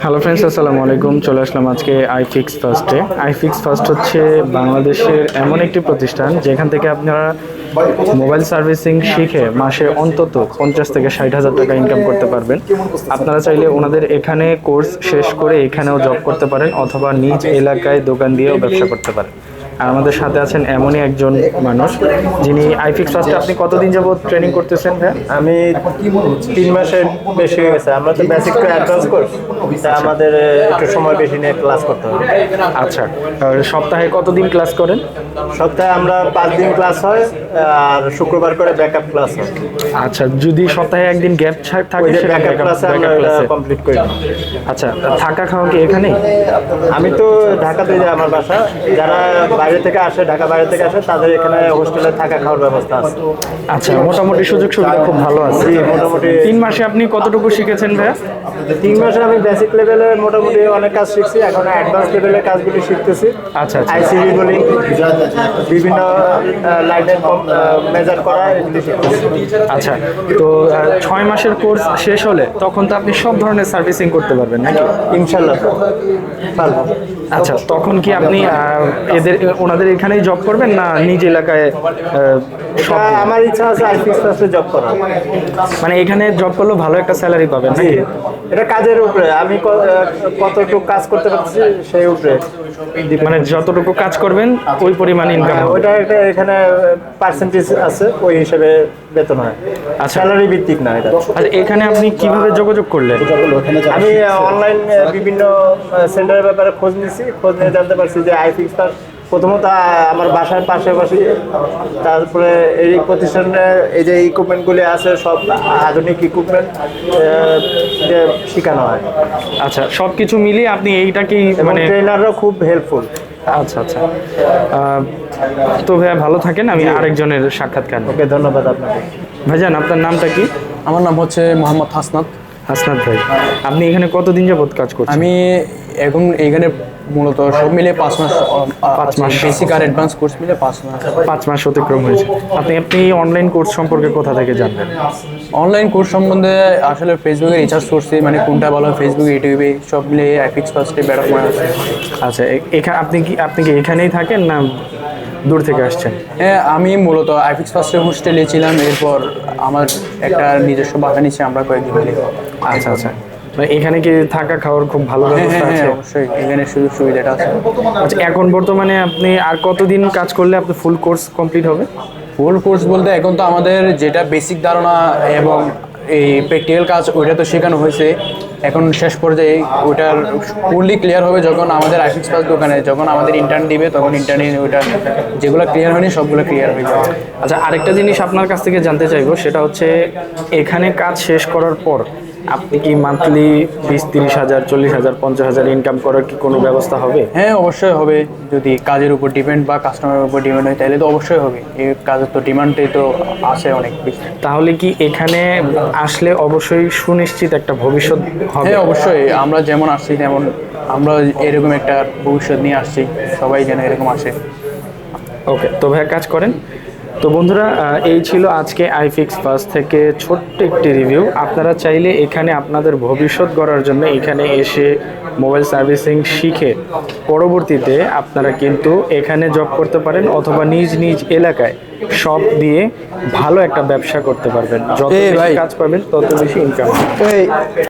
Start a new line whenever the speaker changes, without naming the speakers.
Hello friends, আসসালামু আলাইকুম। চলে আসলাম আজকে আইফিক্স ফার্স্টে। আইফিক্স ফার্স্ট হচ্ছে বাংলাদেশের এমন একটি প্রতিষ্ঠান যেখান থেকে আপনারা মোবাইল সার্ভিসিং শিখে মাসে অন্তত 50 থেকে 60 হাজার টাকা ইনকাম করতে পারবেন। আপনারা চাইলে ওনাদের এখানে কোর্স শেষ করে এখানেও জব করতে পারেন অথবা নিজ এলাকায় দোকান দিয়েও ব্যবসা করতে পারেন। আর আমাদের সাথে আছেন এমনই একজন মানুষ যিনি আইফিক্স ফার্স্টে। আপনি কতদিন যাবত ট্রেনিং করতেছেন ভাই?
আমি 3 মাসের বেশি হয়ে গেছে। আমরা তো বেসিক টু অ্যাডভান্স কোর্স, আমাদের একটু সময় বেশি নিয়ে ক্লাস করতে হবে।
আচ্ছা, সপ্তাহে কতদিন ক্লাস করেন?
সপ্তাহে আমরা 5 দিন ক্লাস হয়, আর শুক্রবার করে ব্যাকআপ ক্লাস হয়।
আচ্ছা, যদি সপ্তাহে একদিন গ্যাপ থাকে
ওই যে ব্যাকআপ ক্লাসে আমরা কমপ্লিট করি।
আচ্ছা, থাকা খাওয়া কি এখানেই?
আমি তো ঢাকাতে যাই, আমার বাসা। যারা বাইরে থেকে আসে, ঢাকা বাইরে থেকে আসে, তাদের এখানে হোস্টেলে থাকা খাওয়ার ব্যবস্থা আছে।
আচ্ছা, মোটামুটি সুযোগ সুবিধা খুব ভালো আছে।
মোটামুটি
3 মাসে আপনি কতটুকু শিখেছেন ভাইয়া?
3 মাসে আমি বেসিক লেভেলে মোটামুটি অনেক কাজ শিখছি, এখন অ্যাডভান্স লেভেলের কাজগুলি শিখতেছি।
আচ্ছা আচ্ছা
আইসিবি বলি, বিভিন্ন লাইনের মেজার করা, এগুলি শিখতেছি।
আচ্ছা, তো 6 মাসের কোর্স শেষ হলে তখন তো আপনি সব ধরনের সার্ভিসিং করতে পারবেন নাকি?
ইনশাল্লাহ পারবো।
আচ্ছা, তখন কি আপনি ওনাদের এখানেই জব করবেন না নিজ এলাকায়?
আমার ইচ্ছা আছে আইফিক্স ফার্স্টে জব করার।
মানে এখানে জব করলেও ভালো একটা স্যালারি পাবেন নাকি?
এটা কাজের উপরে, আমি কতটুকু কাজ করতে পারছি সেই উপরে।
মানে যতটুকু কাজ করবেন ওই পরিমাণ ইনকাম হবে।
ওইটা একটা এখানে পার্সেন্টেজ আছে, ওই হিসেবে বেতন হয়।
আচ্ছা,
স্যালারি ভিত্তিক না এটা।
আচ্ছা, এখানে আপনি কিভাবে যোগাযোগ করলেন?
আমি অনলাইন বিভিন্ন সেন্টারের ব্যাপারে খোঁজ নিয়েছি। খোঁজ নিয়ে জানতে পারছি যে আইফিক্স ফার্স্ট প্রথমত আমার বাসার পাশাপাশি, তারপরে এই প্রতিষ্ঠানে এই যে ইকুইপমেন্টগুলি আছে সব আধুনিক ইকুইপমেন্ট শেখানো হয়।
আচ্ছা, সব কিছু মিলিয়ে আপনি এইটাকেই মানে
ট্রেনাররাও খুব হেল্পফুল।
আচ্ছা আচ্ছা, তো ভাইয়া ভালো থাকেন। আমি আরেকজনের সাক্ষাৎকার।
ওকে, ধন্যবাদ আপনাকে।
ভাইজান, আপনার নামটা কি?
আমার নাম হচ্ছে মোহাম্মদ হাসনাত।
হাসনাত ভাই, আপনি এখানে কতদিন যাবত কাজ করছেন?
আমি এখন এখানে মূলত সব মিলে 5 মাস।
5 মাস
বেসিক আর অ্যাডভান্স কোর্স মিলে 5 মাস।
5 মাস অতিক্রম হয়েছে। আপনি অনলাইন কোর্স সম্পর্কে কোথা থেকে জানবেন?
অনলাইন কোর্স সম্বন্ধে আসলে ফেসবুকে রিসার্চ করছি, মানে কোনটা ভালো হয়, ফেসবুক, ইউটিউবে সব মিলে আইফিক্স ফার্স্টে বেটার মনে হচ্ছে।
আচ্ছা, এখানে আপনি কি এখানেই থাকেন না দূর থেকে আসছেন?
হ্যাঁ, আমি মূলত আইফিক্স ফার্স্টে হোস্টেলে ছিলাম, এরপর আমার একটা নিজস্ব বাসা নিচ্ছে, আমরা কয়েকজন মিলে।
আচ্ছা আচ্ছা, এখানে কি থাকা খাওয়ার খুব ভালো ব্যবস্থা আছে?
অবশ্যই এখানে সুযোগ সুবিধাটা আছে।
আচ্ছা, এখন বর্তমানে আপনি আর কতদিন কাজ করলে আপনি ফুল কোর্স কমপ্লিট হবে?
ফুল কোর্স বলতে এখন তো আমাদের যেটা বেসিক ধারণা এবং এই প্র্যাকটিক্যাল কাজ ওইটা তো শেখানো হয়েছে। এখন শেষ পর্যায়ে ওইটার ফুললি ক্লিয়ার হবে যখন আমাদের আইফিক্স ফার্স্ট দোকানে যখন আমাদের ইন্টার্ন দিবে, তখন ইন্টার্নে ওইটা যেগুলো ক্লিয়ার হয়নি সবগুলো ক্লিয়ার হয়ে যাবে।
আচ্ছা, আরেকটা জিনিস আপনার কাছ থেকে জানতে চাইবো, সেটা হচ্ছে এখানে কাজ শেষ করার পর আপনি কি মান্থলি 20-30 হাজার, 40 হাজার, 50 হাজার ইনকাম করার কি কোনো ব্যবস্থা হবে?
হ্যাঁ, অবশ্যই হবে। যদি কাজের উপর ডিপেন্ড বা কাস্টমারের উপর ডিপেন্ড হয় তাহলে তো অবশ্যই হবে। এই কাজের তো ডিমান্ডটাই তো আছে অনেক বেশি।
তাহলে কি এখানে আসলে অবশ্যই সুনিশ্চিত একটা ভবিষ্যৎ হবে?
হ্যাঁ, অবশ্যই। আমরা যেমন আসছি তেমন আমরা এরকম একটা ভবিষ্যৎ নিয়ে আসছি, সবাই যেন এরকম আসে।
ওকে, তো ভাইয়া কাজ করেন। তো বন্ধুরা, এই ছিল আজকে আইফিক্স ফার্স্ট থেকে ছোট্ট একটি রিভিউ। আপনারা চাইলে এখানে আপনাদের ভবিষ্যৎ গড়ার জন্য এখানে এসে মোবাইল সার্ভিসিং শিখে পরবর্তীতে আপনারা কিন্তু এখানে জব করতে পারেন অথবা নিজ নিজ এলাকায় শপ দিয়ে ভালো একটা ব্যবসা করতে পারবেন। যত বেশি কাজ পাবেন তত বেশি ইনকাম।